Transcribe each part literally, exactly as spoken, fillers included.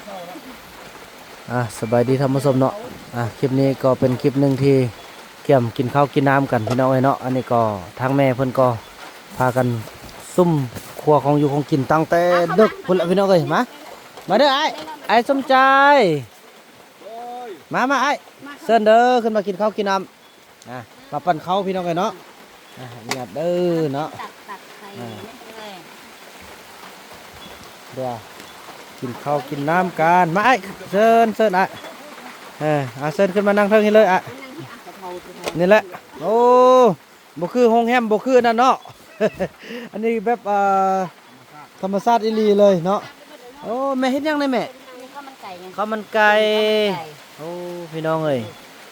อ่ะสบายดีท่านผู้ชมเนาะอ่ะคลิปนี้ก็เป็นคลิปหนึ่งที่เกี่ยมกินข้าวกินน้ำกันพี่น้องเอ้ยเนาะอันนี้ก็ทางแม่เพิ่นก็พากันซุ่มครัวของอยู่ของกินตั้งแต่ดึกพุ่นละพี่น้องเอ้ยมามาเด้อไอ้ไอ้สมใจมามาไอ้เชิญเด้อขึ้นมากินข้าวกินน้ำอ่ะมาปั่นข้าวพี่น้องเอ้ยเนาะอ่ะเงียบเด้อเนาะเดี๋ยวกินข้าวกินน้ำกันมาไอ้เชิญเชิญไอ้เอออาเชิญขึ้นมานั่งเทิงนี่เลยอ่ะนี่แหละโอ้บ่คือห้องแฮมบ่คือนั่นเนาะ อันนี้แบบอ่าธรรมชาติอีหลีเลยเนาะโอ้แม่เฮ็ดยังไงแม่ข้าวมันไก่ข้าวมันไก่โอ้พี่น้องเอ้ย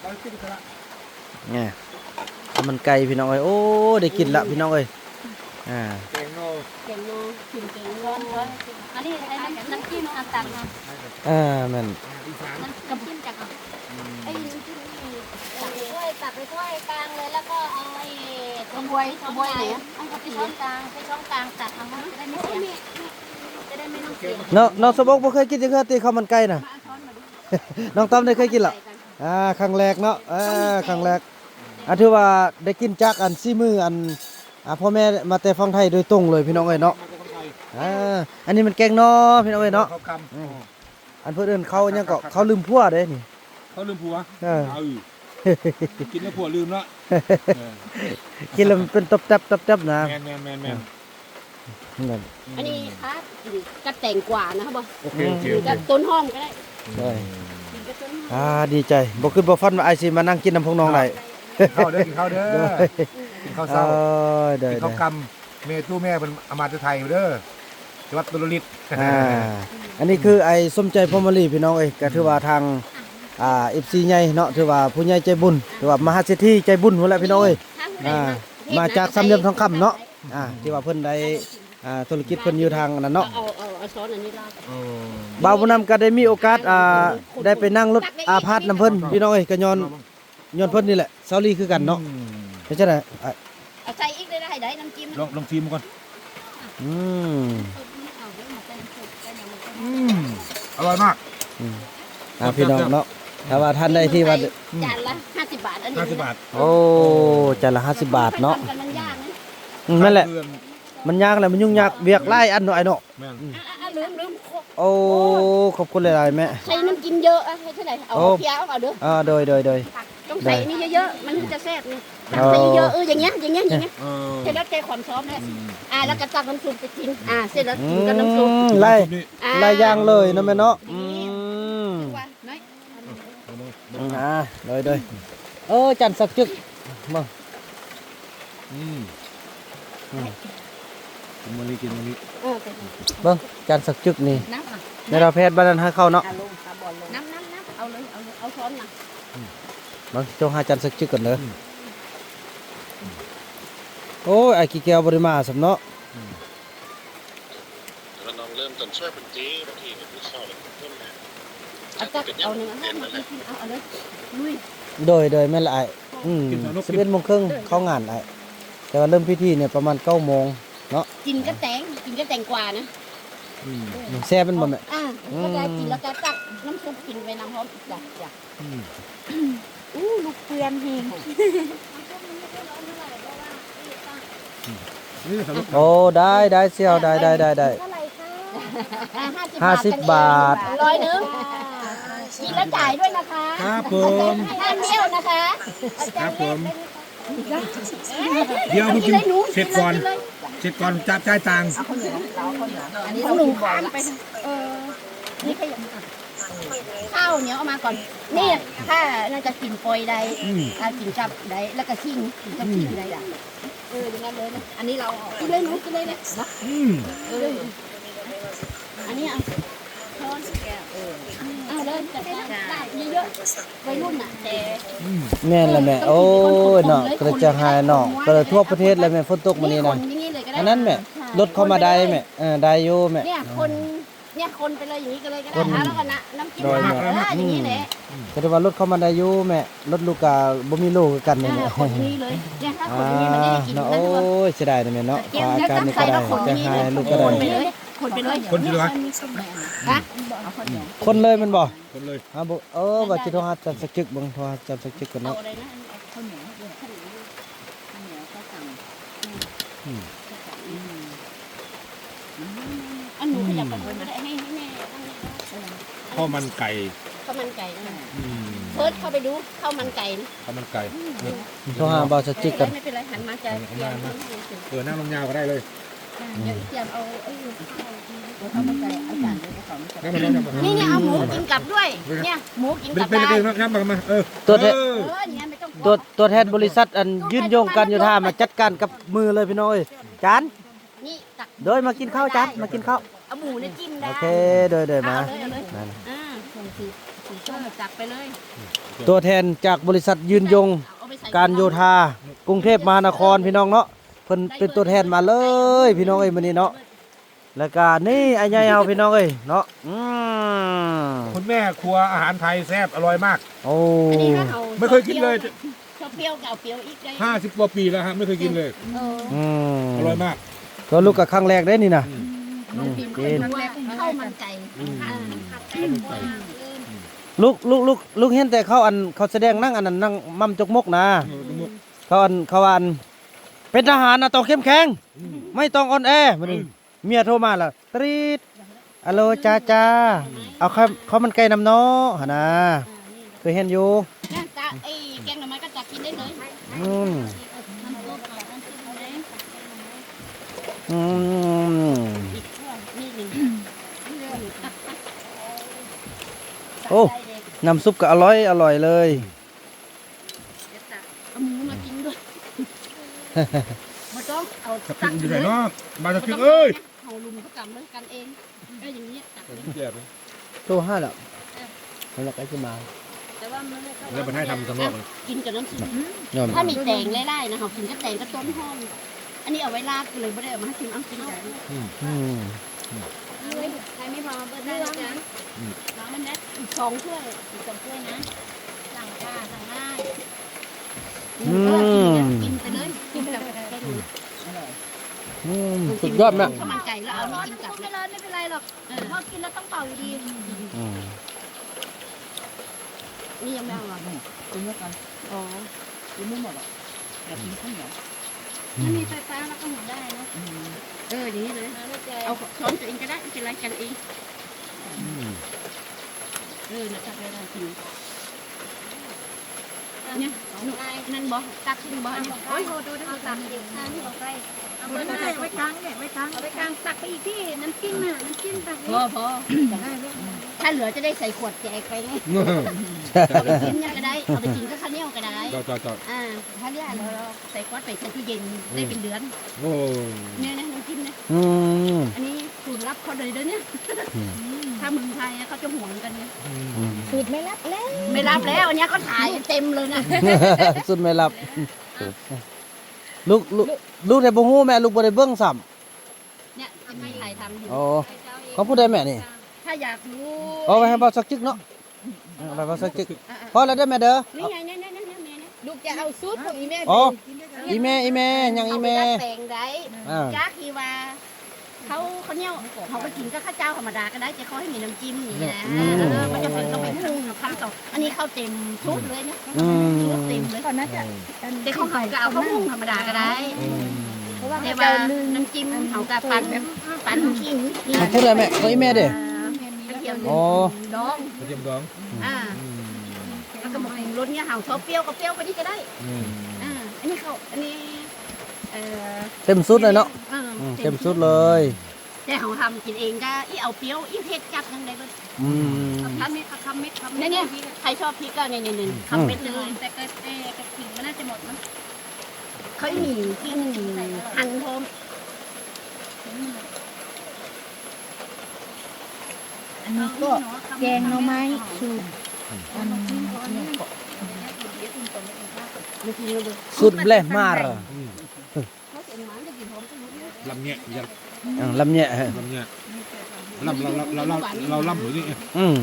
เนี่ยข้าวมันไก่พี่น้องเอ้ยโอ้ได้กินละพี่น้องเอ้ยอ่าเก่งโน่เก่งโลกินเก่งร้อนร้อนอันนี้ไอ้น้ำน้ำจิ้มอันตักนะอ่าแม่นน้ำน้ำจิ้มจากไอ้น้ำจิ้มนี่ตักไปถ้วยตักไปถ้วยกลางเลยแล้วก็เอาไอ้กระบวยกระบวยไหนอ่ะเอาไปช้อนกลางไปช้อนกลางตักเอาจะได้ไม่เสียจะได้ไม่ต้องเสียเนาะน้องสมบอกบ่เคยกินจังซี่ติข้าวมันไก่น่ะ น้องต้อมได้เคยกินล่ะอ่าครั้งแรกเนาะอ่าครั้งแรกอ่ะถือว่าได้กินจากอันซีมืออันอ่าพ่อแม่มาแต่ฟังไทยโดยตรงเลยพี่น้องเอ้ยเนาะอ่าอันนี้มันแกงนอพี่น้องเอ้ยเนาะอันเพิ่นเอิ้นเขายังก็เขาลืมผัวเด้นี่เขาลืมผัวเออกินแล้วผัวลืมละกินแล้วมันเป็นตับตับตับตับนะแมนแมนแมนแมนอันนี้ครับกระแต่งกว่านะครับบ่โอเคโอเคกระต้นหอมก็ได้ใช่อ่าดีใจบ่ขึ้นบ่ฟันว่าไอ้สิมานั่งกินน้ำพงน้องได้ข้าวเด้อกินข้าวเด้อกินข้าวเช้ากินข้าวกำเมตู้แม่เป็นอมาตย์ไทยเด้อจังหวัดตุลฤทธิ์อ่าอันนี้คือไอ้สมใจพรหมลีพี่น้องเอ้ยก็ถือว่าทางอ่า เอฟ ซี ใหญ่เนาะถือว่าผู้ใหญ่ใจบุญถือว่ามหาเศรษฐีใจบุญพุ่นแหละพี่น้องเอ้ยอ่ามาจากสามเหลี่ยมทองคำเนาะอ่าที่ว่าเพิ่นได้อ่าธุรกิจเพิ่นอยู่ทางนั้นเนาะเอาเอาเอาช้อนอันนี้ลาดบ่าวผู้นำก็ได้มีโอกาสอ่าได้ไปนั่งรถอาพาธนำเพิ่นพี่น้องเอ้ยก็ย้อนย้อนเพิ่นนี่แหละเซาลีคือกันเนาะเป็นจังได๋เอาใส่อีกได้ได้น้ำจิ้มลองลองชิมก่อนอืมอืมอร่อยมากอ่าพี่น้องเนาะถ้าว่าท่านได้ที่ว่าจานละห้าสิบบาทอันนี้ห้าสิบบาทโอ้จานละห้าสิบบาทเนาะมันยากนะนั่นแหละมันยากแหละมันยุ่งยากเวียกไล่อันหน่อยเนาะลืมลืมโอ้ขอบคุณหลายๆแม่ใส่น้ำจิ้มเยอะให้เท่าไหร่เอาเพี้ยเอาเด้ออ่าโดยโดยโดยต้องใส่นี่เยอะๆมันจะแซ่บนี่ใส่เยอะเอออย่างเงี้ยอย่างเงี้ยอย่างเงี้ยเสร็จแล้วใจความซ้อมเลยอ่าแล้วก็ตักน้ำซุปไปกินอ่าเสร็จแล้วกินกับน้ำซุปไล่ไล่ย่างเลยนะแม่เนาะอืมอ่าโดยโดยเออจันสักจึกมาอืมกินมื้อนี้กินมื้อนี้เบิ่งจันสักจึกนี่ในเราแพทย์บ้านนั้นให้เข้าเนาะน้ำน้ำน้ำเอาเลยเอาเอาช้อนมาบางจงหาจันสักจึกก่อนเลยโอ้ยไอ้กี่แก้วบริมาสำเนาะเราลองเริ่มต้นช่วยเป็นจีบางทีเนี่ยผู้เช่าเลยเพิ่มนะเอาจักเอาหนึ่งเอามาเอาเอาเลยลุยโดยโดยแม่ละไอ้อืมสิบเอ็ดโมงครึ่งเข้างานไอ้แต่ว่าเริ่มพิธีเนี่ยประมาณเก้าโมงเนาะกินก็แตงกินก็แตงกว่านะแซ่บเป็นบ่แม่อ่าแล้วก็กินแล้วก็ตักน้ำซุปกินไปน้ำพร้อมจ้ะจ้ะอู้ลูกเปลือนเฮงโอ้ได้ได้เสี่ยวได้ได้ได้ได้ห้าสิบบาทร้อยหนึ่งกินแล้วจ่ายด้วยนะคะครับผมห้าเดียวนะคะครับผมเดี๋ยวคุณกินเสร็จก่อนเสร็จก่อนจับจ่ายตังค์อันนี้หนึ่งก่อนไปเออนี่ขยะข้าวเหนียวเอามาก่อนนี่ถ้าน่าจะกินปอยได้ถ้ากินจับได้แล้วก็ขิงกินจับขิงได้ด่ะเอออย่างนั้นเลยนะอันนี้เรากินเลยหนูกินเลยนะเอออันนี้เอาช้อนแก้วเออเอาเลยจัดได้เยอะๆวัยรุ่นอ่ะแต่แม่นละแม่โอ้ยเนาะกระจายหายเนาะกระทั่วประเทศเลยแม่ฝนตกมื้อนี้นะอันนั้นแม่รถเข้ามาได้แม่เออได้อยู่แม่เนี่ยคนเนี่ยคนไปเลยอย่างนี้ก็เลยก็ได้แล้วก็น้ำจิ้มอย่างนี้แหละก็ถือว่ารถเข้ามาได้อยู่แม่รถลูกกาบ่มีลูกกันนี่แม่คนนี้เลยเนี่ยถ้าคนนี้มันได้กินโอ้ยเสียดายนะแม่เนาะอาการนี่ก็ได้จะหายลูกก็ได้คนไปเลยคนอยู่ด้วยฮะคนเลยมันบ่คนเลยฮะบ่เออว่าสิโทรหาจันสักจึกเบิ่งโทรหาจันสักจึกก่อนเอาเนาะอะไรนะข้าวเหนียวข้าวเหนียวข้าวเหนียวข้าวสั่งอันหนูขยับไปคนก็ได้ให้ให้แม่ตั้งนี้ข้าวมันไก่ข้าวมันไก่นะอืมเพิร์ดเข้าไปดูข้าวมันไก่นะข้าวมันไก่นี่โทรหาบ่าวสักจึกก่อนไม่เป็นไรหันมาจะเตรียมข้าวเหนียวเสร็จเออนั่งลงยาวก็ได้เลยเดี๋ยวเตรียมเอาไอ้ข้าวมันไก่เอาจานเลยข้าวมันไก่นั่งมานั่งมานี่เนี่ยเอาหมูกินกลับด้วย เนี่ยหมูกินเป็กนลับเป็นได้เป็นนั่งมามาเออตัวแทนเออเออเนี่ยไม่ต้องตัวตัวแทนบริษัทอันยืนยงการโยธามาจัดการกับมือเลยพี่น้องเอ้ยจานนี่ตักเดยมากินข้าวจานมากินข้าวเอาหมูเนี่ยจิ้มได้โอเคเดยเดยมาเอาเลยเอาเลยนั่นอ่าส่งสีสีส้มจับไปเลยตัวแทนจากบริษัทยืนยงเอาไปใส่การโยธากรุงเทพมหานครพี่น้องเนาะเพิ่นเป็นตัวแทนมาเลยพี่น้องเอ้ยมื้อนี้เนาะแล้วก็นี่ไอ้ใหญ่เฮาพี่น้องเอ้ยเนาะอืมคุณแม่ครัวอาหารไทยแซ่บอร่อยมากโอ้อันนี้ถ้าเอาไม่เคยกินเลยชอบเปรี้ยวกับเอาเปรี้ยวอีกได้ห้าสิบกว่าปีแล้วฮะไม่เคยกินเลยเอออืมอร่อยมากก็ลูกกับครั้งแรกได้นี่นะน้องพิมพ์เป็นครั้งแรกข้าวมันไก่อ่าลูกลูกลูกลูกเห็นแต่เขาอันเขาแสดงนั่งอันนั้นนั่งมั่มจกมกนะเขาอันเขาอันเป็นทหารนะต้องเข้มแข็งไม่ต้องอ่อนแอมื้อนี้เมียโทรมาแล้วตรีดอะโลจ้าจ้าเอาข้าวข้าวมันไก่น้ำเนาะหั่นนะเคยเห็นอยู่เนี่ยจ้าไอ้แกงหน่อไม้ก็จับกินได้เลยอืมน้ำซุปน้ำซุปเลยอืมอีกช่วงนี่หนึ่งโอ้น้ำซุปก็อร่อยอร่อยเลยเอาหมูมากินด้วยมาต้องเอาจะตักิกนอยู่เลไหนยเนาะมาจะกินเอ้ยเอาลุมเขากำเลยกันเองก็อย่างนี้ตักเลยเจ็บโตห้าแล้วแล้วก็จะมาแต่ว่ามันไม่เข้าแล้วมันให้ทำสำรองกินกับน้ำซุปยอมถ้ามีแตงไล่ๆนะคะกินกับแตงก็ต้นหอมอันนี้เอาไว้ราดเลยไม่ได้เอามาให้กินเอากินกันอืมใครไม่พอเบิร์ดได้นะจ๊ะน้องมันได้อีกสองถ้วยอีกสองถ้วยนะสั่งค่ะสั่งได้กินไปเลยกินแบบอืมสุดยอดแม่ข้าวมันไก่แล้วเอานี่กินกับไม่ร้อนไม่เป็นไรหรอกพอกินแล้วต้องเป่าอยู่ดีอืมนี่ยังไม่เอาหรอกินด้วยกันอ๋อกินไม่หมดหรอกอยากกินข้าวเหนียวถ้ามีไฟฟ้าแล้วก็หมุนได้นะเอออย่างนี้เลยเอาช้อนตัวเองก็ได้ไม่เป็นไรกันเองเออนะครับเวลากินเนี่ยนั่นบอกตักขึ้นบอกโอ้ยโหดูดูตักเด็กข้างที่บอกไปเอาไว้ไว้ไว้กลางเนี่ยไว้กลางเอาไว้กลางตักไปอีกที่น้ำจิ้มน่ะน้ำจิ้มตักพอพอถ้าเหลือจะได้ใส่ขวดแจกไปไงกินเนี่ยก็ได้เอาไปกินก็ข้าวเหนียวก็ได้จอดจอดจอดอ่าถ้าเนี่ยเราใส่ขวดไปใส่ตู้เย็นได้เป็นเดือนโอ้เนี่ยนะน้ำจิ้มนะอืมอันนี้สูตรลับเขาเลยเด้อเนี่ยถ้าเมืองไทยเขาจะห่วงกันเนี่ยสูตรไม่รับแล้วไม่รับแล้วอันนี้เขาถ่ายเต็มเลยนะสุดไม่รับลูกลูกลูกได้บ่ฮู้แม่ลูกบ่ได้เบิ่งซ้ำเนี่ยจะไม่ถ่ายทำอยู่อ๋อเขาพูดได้แม่นี่ถ้าอยากรู้เอาไว้ให้บ่าวสักจึกเนาะเอาไปบ่าวสักจึกพอแล้วได้อแม่เด้อนี่ไงเนี่ยเนี่ยเนี่ยเนี่ยเนี่ยลูกจะเอาสูตรของอีแม่อ๋ออีแม่อีแม่ยังอีแม่เขาไปดัดแปลงได้อ่าจ้าคือว่าเขาเขาเนี่ยเขาไปกินก็ข้าวเจ้าธรรมดาก็ได้แต่เขาให้มีน้ำจิ้มอย่างนี้นะเออมันจะเป็นต้องไปปรุงคำต่ออันนี้ข้าวเต็มชุดเลยเนี่ยอืมชุดเต็มเลยก่อนน่าจะแต่เขาเขาก็เอาข้าวมุ้งธรรมดาก็ได้เพราะว่าแต่เจ้าว่าลืมน้ำจิ้มเขากับปั่นแบบปั่นขิงนี่เขาพูดได้แม่เขาอีแม่เด้อกระเทียมอ๋อดองกระเทียมดองอ่าแล้วก็บอกรสเนี่ยเขาชอบเปรี้ยวก็เปรี้ยวไปนี่ก็ได้อืมอ่าอันนี้เขาอันนี้เอ่อเต็มสุดเลยเนาะอออืมเต็มสุดเลยแต่เขาทำกินเองก็อีเอาเปรี้ยวอีเผ็ดจัดยังไงก็อืมทำเม็ดทำเม็ดทำเม็เนี่ดยเนี่ยใครชอบพริกก็เนี่ยเนี่ยเนี่ยทำเม็ดเลยแต่ก็แต่กระถิ่นมันน่าจะหมดมั้งเขาหนีกินหั่นพร้อมอันนี้ก็แกงหน่อไม้สูตรอันนี้มันกินเลยสุดแหลมมากเขาเสียหมาจะกินพร้อมกันหมดเลยลำเนี้ยยันอ่าลำเนี่ยฮะลำเนี้ยลำเราเราเราเราเราลำหรือนี่อืม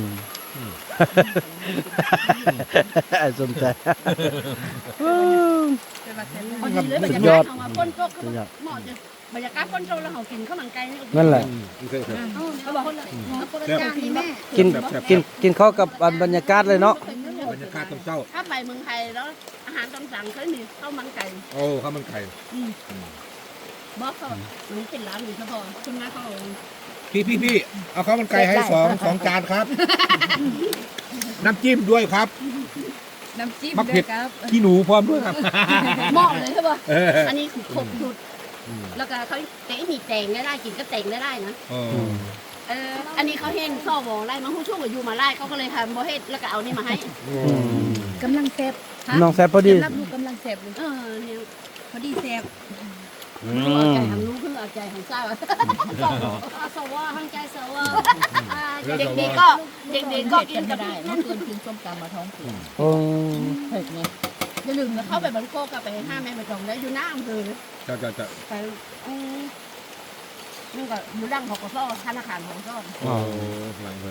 สนใจพอดีเลยมันจะยอดเอามาพ่นโต๊ะก็เหมาะจะบรรยากาศคนโตแล้วเขากินข้าวมันไก่นี่นั่นแหละเขาบอกคนละคนละจานนี่แม่กินกินกินข้าวกับบรรยากาศเลยเนาะบรรยากาศตอนเช้าถ้าไปเมืองไทยแล้วอาหารตามสั่งเคยมีข้าวมันไก่โอ้ข้าวมันไข่บอกเขามันเป็นร้านหรือเฉพาะคุณแม่เขาพี่พี่พี่เอาข้าวมันไก่ให้สองสองจานครับ น้ำจิ้มด้วยครับน้ำจิ้มมะเผ็ด้วดยครับขี้หนูพร้อมด้วยครับเหมาะเลยใช่ป่ะเอออันนี้คือครบสุดแล้วก็เขาเตะมีแต่งได้ได้กินก็แต่งได้ได้นะเออเอออันนี้เขาเห็นซ่อวอไล่มาผู้ช่วงอยู่มาไล่เขาก็เลยทำโบเฮ็ดแล้วก็เอานี่มาให้อืมกำลังแซ่บน้องแซ่บพอดีรับลูกกำลังแซ่บเลยเออเนี่ยพอดีแซ่บอืเอาใจมทางนู้นเพื่อเอาใจของเจ้าสวทางใจสวเด็กๆก็เด็กๆก็กินกับได้เมื่อคืนกินส้มตำมาท้องผูกโอ้เผ็ดไงอย่าลืมนะเข้าไปบันโคกับไปห้าแม่ไปตรงได้อยู่หน้าอำเภอจะจะจะไปอืมนี่ก็อยู่ดังของกสธนาคารของกสโอ้หลังเลย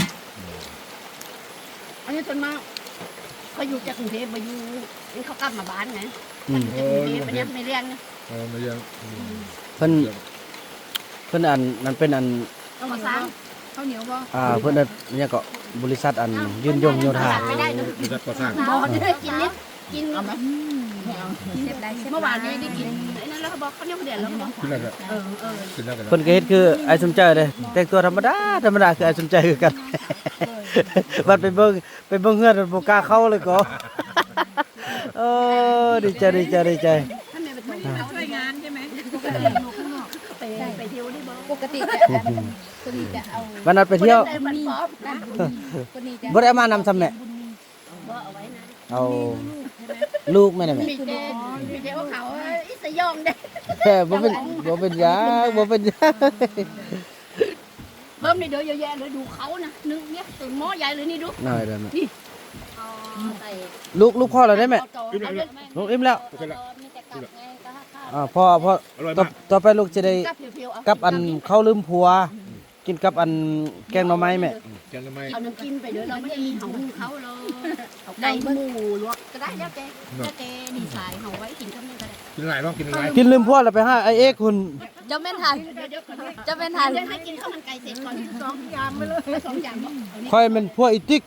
อันนี้ส่วนมากเขาอยู่จากกรุงเทพมาอยู่นี่เขากลับมาบ้านไงอืมกรุงเทพไปเนี่ยไม่เรียนนะเออมายังเพิ่นเพิ่นอันนั้นเป็นอันต้องมาสร้างข้าวเหนียวบ่อ่าเพิ่นอันเนี่ยก็บริษัทอันยืนยงโยธาไม่ได้นะบริษัทก่อสร้างบอได้กินนิดกินเอาไหมแซ่บได้แซ่บเมื่อวานนี้ได้กินไอ้นั่นแล้วเขาบอกเขาเนี่ยเขาเดือดแล้วเขาบอกขึ้นแล้วก็เออเออขึ้นแล้วก็เพิ่นก็เฮ็ดคือไอ้สมใจเลยแต่งตัวธรรมดาธรรมดาคือไอ้สมใจคือกัน บัดไปเบิ่งไปเบิ่งเฮือนมันบ่กล้าเข้าเลยก็ โอ้ดีใจดีใจดีใจถ้าแม่ไปทำเขาช่วยงานใช่ไหมไปไปเที่ยวได้บ่ปกติจะคนนี้จะเอาวันนั้นไปเที่ยวคนนี้ป๊อปนะคนนี้จะบ่ได้เอามานำซ้ำแม่บ่เอาไว้นะเอาลูกแม่น่ะแม่มีเจมีเจว่าเขาอิสยองเด้แค่บ่เป็นบ่เป็นหยังบ่เป็นหยังเพิ่มนี่เดี๋ยวเยอะแยะเลยดูเขานะนึกเนี่ยตัวหม้อใหญ่เลยนี่ดูน้อยเด้อแม่อ๋อใส่ลูกลูกพ่อแล้วได้แม่อิ่มแล้วลูกอิ่มแล้วโอเคแล้วมีแต่กลับไงก็ข้าวอ่าพ่อพ่ออร่อยต่อมากต่อไปลูกจะได้กับเพียวๆเอากับอันข้าวลืมผัว กินกับอันแกงหน่อไม้แม่แกงทำไมเอาน้ำจิ้มไปเดี๋ยวเราไม่ได้มีของเขาเลยเอาไก่หมูลวกก็ได้แล้วแกแล้วแกดีไซน์เขาไว้กินกับนี่ก็ได้กินอะไรบ้างกินอะไรกินลืมผัวแล้วไปหาไอ้เอกคุณจะไม่ทันเดี๋ยวเดี๋ยวจะไม่ทันเดี๋ยวให้กินข้าวมันไก่เสร็จก่อนสองจานไปเลยสองจานบอกเอานี่ค่อยเป็นผัวอีติ๊ก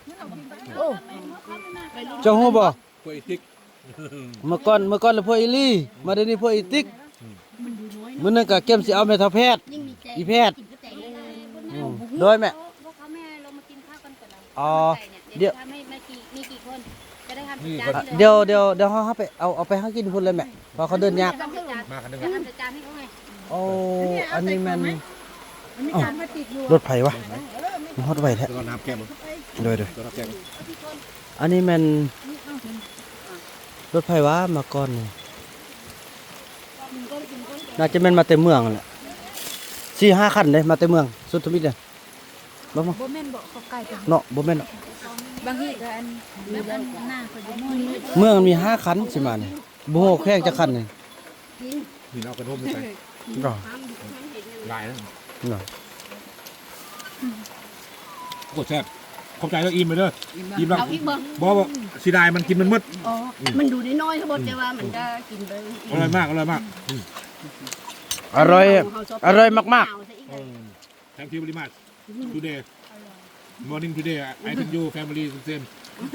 เจ้าฮู้บ่กล้วยติ๊กเมื่อก่อนเมื่อก่อนแล้วผัวอีลี่มาเดี๋ยวนี้ผัวอีติ๊กมันดูน้อยมื้อนั้นก็เก็มสิเอาแม่ทัพแพทย์ยิ่งมีแจอีแพทย์กินก็แจกเลยอืมโดยแม่พวกเขาแม่เรามากินข้าวกันก่อนเราอ๋อเดี๋เดี๋ยยว วถ้าไม่ไม่กี่มีกี่คนจะได้ทำนี่จาคนนเดี๋ยวเดี๋ยวเดี๋ยวเฮาเฮาไปเอาเอาไปหากินพุ่นเลยแม่เพอเขาเดินยากจานจานมาคันหนึงจะทำจานให้เขาไงโอ้อันนี้แม่นมันมีจานพลาสติกอยู่รถไผวะมันฮอดไว้แท้แล้วก็น้ำแก้มโดยโดยแล้วน้ำแก้มอันนี้แม่นรถไผวะมาก่อนนี่น่าจะแม่นมาแต่เมืองนั่นแหละสี่ห้าคันเด้มาแต่เมืองสุดทมิตรเนี่ยบ่มาบ่แม่นบ่เขาไก่เป็นเนาะบ่แม่นเนาะบางทีก็อันแบบอันหน้าเขาจะม้วนเลยเมืองมันมีห้าคันสิมานี่บ่ฮู้แค่จักคันนี่นี่เอากระทบไปใส่เนาะลายนะเนาะกดแซ่บขอบใจแล้วอิ่มไปเด้ออิ่มแล้วเอาอีกเบิ้งบอกว่าสีดายมันกินมันมืดอ๋อมันดูน้อยๆทั้งหมดแต่ว่ามันจะกินไปอร่อยมากอร่อยมากอร่อยอร่อยมากๆ Thank you very much today morning today I think you family same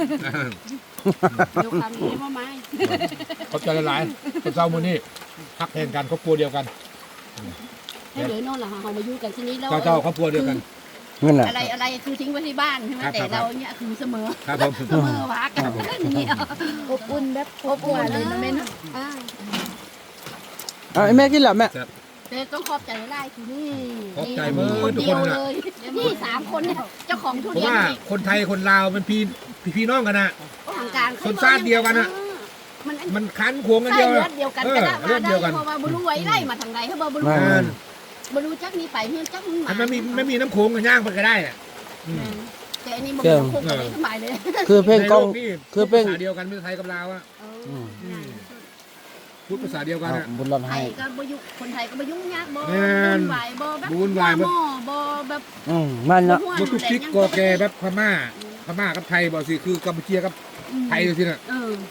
เดี๋ยวคำนี้มาไม้เขาใจละลายคนเจ้ามือนี่พักแทนกันครอบครัวเดียวกันให้เหลือนอนหลังเขามาอยู่กันที่นี้แล้วเจ้าเจ้าครอบครัวเดียวกันๆนั่นแหละอะไรอะไรคือทิ้งไว้ที่บ้านใช่ไหมครับแต่ครับเราเนี่ยคือเสมอครับผมเสมอวักกันอย่างเงี้ยอบอุ่นแบบอบอุ่นเลยนะแม่นะอ่าเอาไอ้แม่กินแล้วแม่แต่ต้องขอบใจได้คือนี่ขอบใจมือคนทุกเดีคยนวนะเลยนี่สามคนเนี่ยเจ้าของทุผมเรียนว่าอีกคนไทยคนลาวเป็นพี่พี่พี่น้องกันนะทางการคนชาติเดียวกันอะมันมันคันขวงกันใช่เดียวเลือดเดียวกันเอก็อได้เลือมาดได้เดียวกันเพราะว่าบรู้ไว้ไล่มาทางใดเขาบอกบรู้เออบรู้จักนี่ไปเฮือนจักมึงมาถ้าไม่มีไม่มีน้ำโขงกันย่างไปก็ได้อะอืมแต่อันนี้มันเป็นคุกกันได้สบายเลยคือเพลงกล้องในโนี่คือเพลงภาษาเดียวกันเป็นไทยกับลาวอะอืมอืมพูดภาษาเดียวกันเอาอะบุญรอนไทให้ยก็บ่ยุ่งคนไทยก็บ่ยุ่งยากบ่แม่นวุ่นวายบ่แบบวุ่นวายบ่บ่หม้อบ่แบบอืมมันเนาะบุตุกซิกกอแกแบบพม่าพม่ากับไทยบอกสิคือกัมพูเชียกับไทยเลยสิน่ะเออ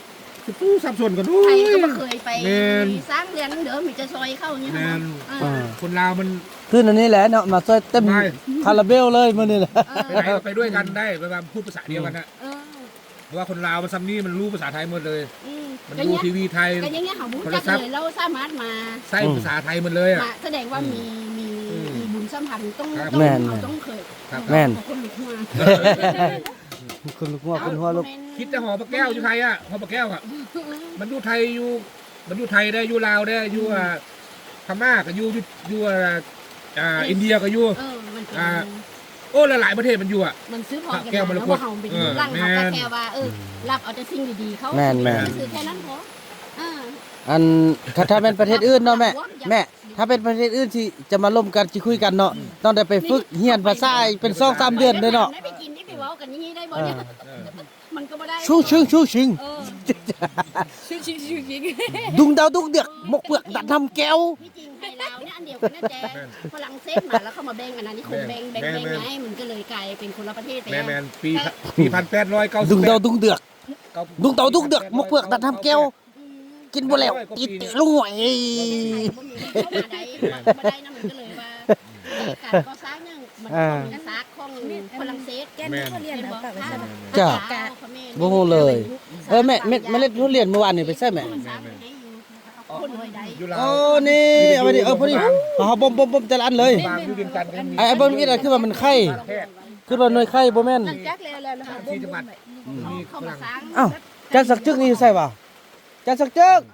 จะปู้สับสนกันด้วใครยก็ไม่เคยไปแม่นสร้างเรียนเดี๋ยวมีจะซอยเข้าอย่างเงี้ยแม่นอ่าคนลาวมันขึ้นอันนี้แหละเนาะมาช่วยเต็มไม่คาราเบลเลยมื้อนี้แหละไปไหนก็ไปด้วยกันได้เวลาพูดภาษาเดียวกันนะเออเพราะว่าคนลาวมันซัมนี่มันรู้ภาษาไทยหมดเลยอืมมันก็ดูเนี้ยทีวีไทยก็อย่างเงี้ยเขาบุญโทรจักศัพท์เลยเราสามารถมาใส่ภาษาไทยหมดเลยอ่ะมาแสดงว่ามีมีอืมมีบุญสัมพันธ์ต้องครับต้องแม่นเราต้องเคยครับแม่นคนลุกหัวคุณลูกหัวคุณหัวลูกคิดจะห่อปลาแก้วอยู่ไทยอ่ะห่อปลาแก้วอ่ะมันอยู่ไทยอยู่มันอยู่ไทยได้อยู่ลาวได้อยู่อ่าพม่าก็อยู่อยู่อยู่อ่าอ่าอินเดียก็อยู่เออมันเป็นอ่า โอ้หลายๆประเทศมันอยู่อ่ะมันซื้อพอกันแก้วมรแล้วกตว่าเขาเป็นเออร่างเขาแม่ก็นแค่ว่าเออรับเอาแต่สิ่งดีๆเขาแม่นแม่นซื้อแค่นั้นพออ่าอันถ้าถ้าเป็นประเทศอื่นเนาะแม่แม่ถ้าเป็นประเทศอื่นที่จะมาร่วมกันสิคุยกันเนาะต้องได้ไปฝึกเรียนภาษาเป็นสองสามเดือนเด้อเนาะได้ไปกินได้ไปเว้ากันอย่างนี้ได้บ่เนี่ยเออมันก็บ่ได้ชูชิงชูชิงเออชิงชิงชิงชิงดุงดาวดุงเดือกหมกเปลือกดัดทำแก้วที่จริงไทยลาวเนี่ยอันเดียวกันนะแจ๊ฝรั่งเศสมาแล้วเข้ามาแบ่งอันนั้นนี่คงแบ่งแบ่งแบ่งไงมันก็เลยกลายเป็นคนละประเทศไปแมแล้นวแมนปีปีพันแปดร้อยเก้าสิบดุงแปดาวดดุงเดือกดุงดาวดุงเดือกหมกเปลือกดัดทำแก้ว กินบ่แล้วติดติลุงหวยเข้ามาได้มาได้นะมันก็เลยว่าการก่อสร้างเนี่ยมันเป็นซากของฝรั่งเศสแมนเรียนบอกค่ะจ้ะบ่ฮู้เลย เออแม่เม็ดเมล็ดทุเรียนเมื่อวานนี่ไปใส่แม่คนรวยได้อยู่ลาวโอ้นี่เอาไปดิเออพอดีเอาบ่มบ่มบ่มแต่ละอันเลยบางอยู่เวียงจันทร์ก็มีไอ้ไอ้บ่มีอะไรคือว่ามันไข่แพทย์คือว่าหน่วยไข่บ่แม่นหลังจากแล้วแล้วนะคะที่จังหวัดมีเข้าฝมารั่งสร้างอ้าวจักสักจึกนี่ใส่บ่จักสักจึก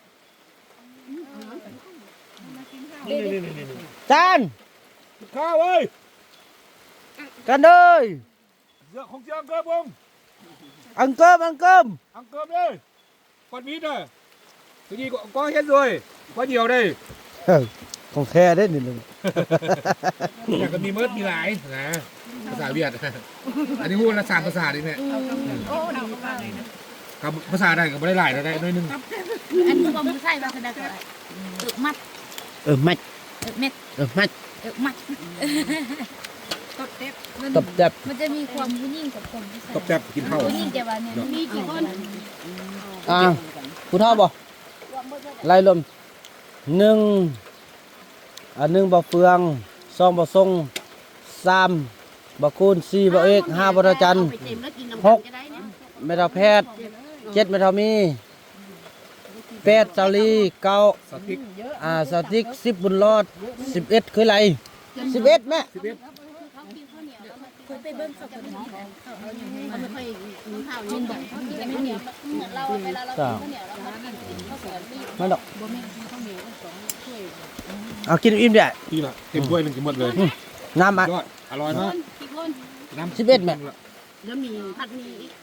นี่นี่นี่นี่จานข้าวเว้ยกันเอ้ยเสือของเจ้าอังเกิบวงอังเกิมอังเกิมอังเกิบเลยปัดมีดน่ะทีนี้ก็ก็เห็นด้วยก็เดียวได้เออของแท้เด้นี่นึงอยากก็มีเมิดมีหลายนะภาษาเวียดอันนี้พูดละสามภาษาดิเนี่ยโอ้ดีมากกับภาษาใดก็ไม่ได้หลายได้น้อยนึงอันนี้ว่ามันใช่ว่าคือได้ก็ได้อึมัดเออมัดอึเม็ดเออมัดอึมัดตบเต็บตบจับมันจะมีความผู้หญิงกับคนที่ใส่ตบจับกินข้าวผู้หญิงแต่ว่าเนี่ยมีกี่คนอ่าผู้เฒ่าบ่ไล่ลมหนึ่งอันหนึ่งบ่เฟืองสองบ่ทรงสามบ่คูณสี่บ่เอกห้าบ่ทจันทร์หกไม่เท่าแพทย์เจ็ดไม่เท่ามีแปดเสาลีเก้าสติ๊กอ่าสติ๊กสิบบุญรอดสิบเอ็ดคืออะไรสิบเอ็ดแม่สิบเอ็ดเคยไปเบิ้งเขาคนนี้เขาเอาอย่างนี้เขาไม่ค่อยมีข้าวกินแบบเขากินแต่ข้าวเหนียวเราเวลาเรากินข้าวเหนียวเรากินข้าวสวยนี่มาดอกบ่แม่นข้าวเหนียวสองถ้วยเอากินอิ่มเด้อนี่ละเต็มถ้วยหนึงกินหมดเลยน้ำอ่ะยอดอร่อยมากกี่คนน้ำสิบเอ็ดแม่แล้วมีผัดหมีอีก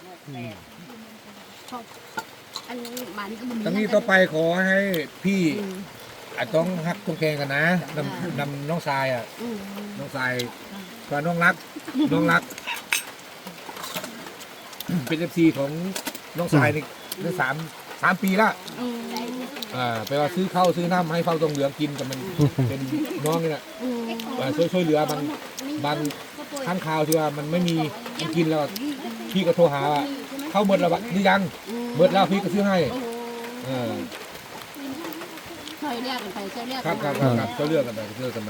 อันนี้หมานี่ก็บ่มีตั้งนี้ต่อไปขอให้พี่อาจต้องฮักต้องแข่งกันนะนำนำน้องทรายอ่ะอืมน้องทรายกับน้องรักน้องรัก เป็นเอฟซีของน้องทรายนี่ได้สามสามปีละอืมอ่าไปว่าซื้อข้าวซื้อน้ำให้เฝ้าตรงเหลืองกินกับมัน เป็นน้องนี่แหละอืมอ่าช่วยช่วยเหลือบางบางข้างข่าวที่ว่ามันไม่มีมันกินแล้วพี่ก็โทรหาว่าเข้าหมดแล้ววะหรือยังหมดแล้วพี่ก็ซื้อให้โอ้โหเออเคยเรียกกันไปเคยเรียกครักับ นครับมาครับครับก็เลือกกันไปเลือกกันมา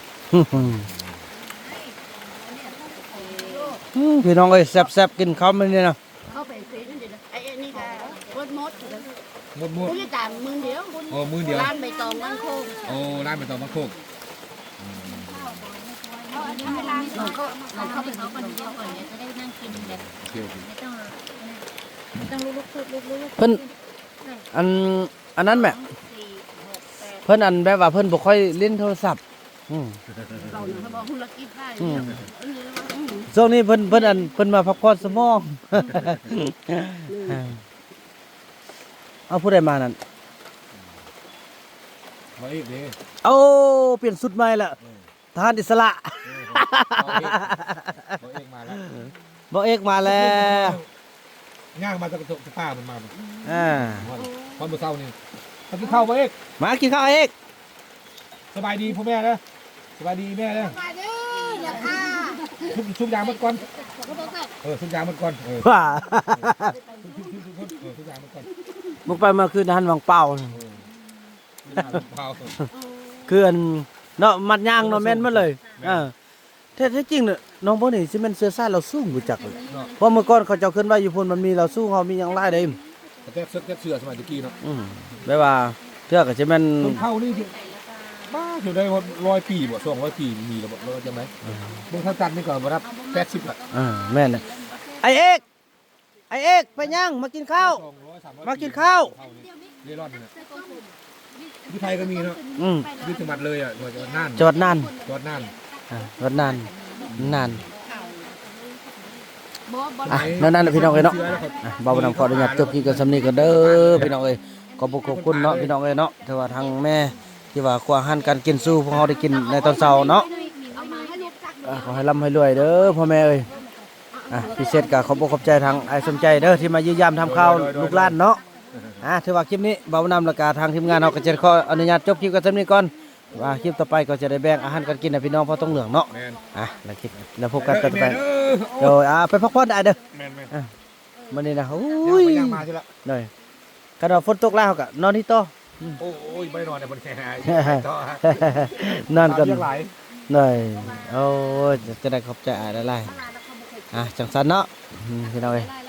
อืมพี่น้องเอ้ยแซ่บๆกินข้าวมันนี่นะเข้าไปเฟซนั่นเดี๋ยวไอ้ไอ้นี่ก็วดมดหมดหมดผู้จัดการมือเดียวโอ้มือเดียวร้านใบตองร้านโคกโอ้ร้านเป็นตอมะโคกเราก็เราเข้าไปเขาคนเดียวก่อนเนี่ยจะได้นั่งกินแบบโอเคโอเคไม่ต้องไม่ต้องลุกๆลุกๆลุกเพิ่นอันอันนั้นแม่เพิ่นอันแบบว่าเพิ่นบ่ค่อยเล่นโทรศัพท์อืมๆเราเนี่ยเขาบอกธุรกิจได้อืมเอออืมช่วงนี้เพิ่นเพิ่นอันเพิ่นมาพักผ่อนสมอง เอาผู้ใดมานั่นมาอีกนี่เอาเปลี่ยนสุดใหม่ละทหารอิสระมาเองมาแล้วบ่เอกมาแล้วย่างมาจากกระจกป้ามันมาอ่าวันวันเมื่อเช้านี่มากินข้าวมาเอกมากินข้าวเอกสบายดีพ่อแม่นะสบายดีแม่นะมาเด้ออย่าค่ะชุบชุบยางมันก่อนเขาบอกว่าเออชุบยางมันก่อนเออว่าชุบชุบชุบชุบเออชุบยางมันก่อนมึงไปมาคือหันวังเป่าเผาคืออันเนาะมัดยางเนาะแม่นมาเลยเออแท้ๆจริงเนี่ยน้องบ่นี่สิแม่นเสื้อซ่าเราสู้บ่จักเลยเพราะเมื่อก่อนเขาเจ้าขึ้นไว้อยู่พุ่นมันมีเราสู้เฮามีหยังหลายเด้แต่แก้เสื้อแก้เสื้อสมัยตะกี้เนาะอืมแม่ว่าเทื่อก็สิแม่นต้นเผานี่คือบ้าอยู่ได้ร้อยปีบ่สองร้อยปีมีแล้วบ่เราจำไหมเมืองท่าจันทร์นี่ก่อนบ่รับแปดสิบอ่ะเออแม่นน่ะไอ้เอกไอ้เอกไปยังมากินข้าวสองร้อยสามร้อยมากินข้าวเร่ร่อนนี่นะที่ไทยก็มีเนาะอืมอยุทธมัดเลยอ่ะจังหวัดน่านจอดนานจังหวัดน่านอ่าจอดนานนานบ่บ่อ่ะนั่นนั่นแหละพี่น้องเอ้ยเนาะอ่ะบ่าวบ่นำขออนุญาตจบคลิปกันสำนี้ก็เด้อพี่น้องเอ้ยขอบขอบคุณเนาะพี่น้องเอ้ยเนาะแต่ว่าทางแม่ที่ว่าควาหันการกินสู้พวกเราได้กินในตอนเช้าเนาะเอามาให้ลูกจักอ่ะขอให้ร่ำให้รวยเด้อพ่อแม่เอ้ยอ่ะพิเศษก็ขอบอกขอบใจทางไอ้สมใจเด้อที่มาเยี่ยมยามทำข้าวลูกหลานเนาะอ่ะถือว่าคลิปนี้บ่าวนำและกาทางทีมงานเราก็จะขออนุญาตจบคลิปกันสำนี้ก่อนว่าคลิปต่อไปก็จะได้แบ่งอาหารการกินให้พี่น้องพอต้องเหลืองเนาะแมนอ่ะแล้วคลิปแล้วพบกันต่อไปแม่เด้อโดยอ่ะไปพักผ่อนได้เด้อแมนแมนมื้อนี้นะโอ้อุ้ยยย่างมาใช่ละเลยกระดอกฝนตกแล้วก็นอนที่โต๊ะโอ้ยไม่นอนในบนแคร์ต่อนอนกันเรียกหลายเลยโอ้ยจะได้ขอบใจอะไรอ่ะจังสันเนาะอืมพี่น้องเอ้ยได้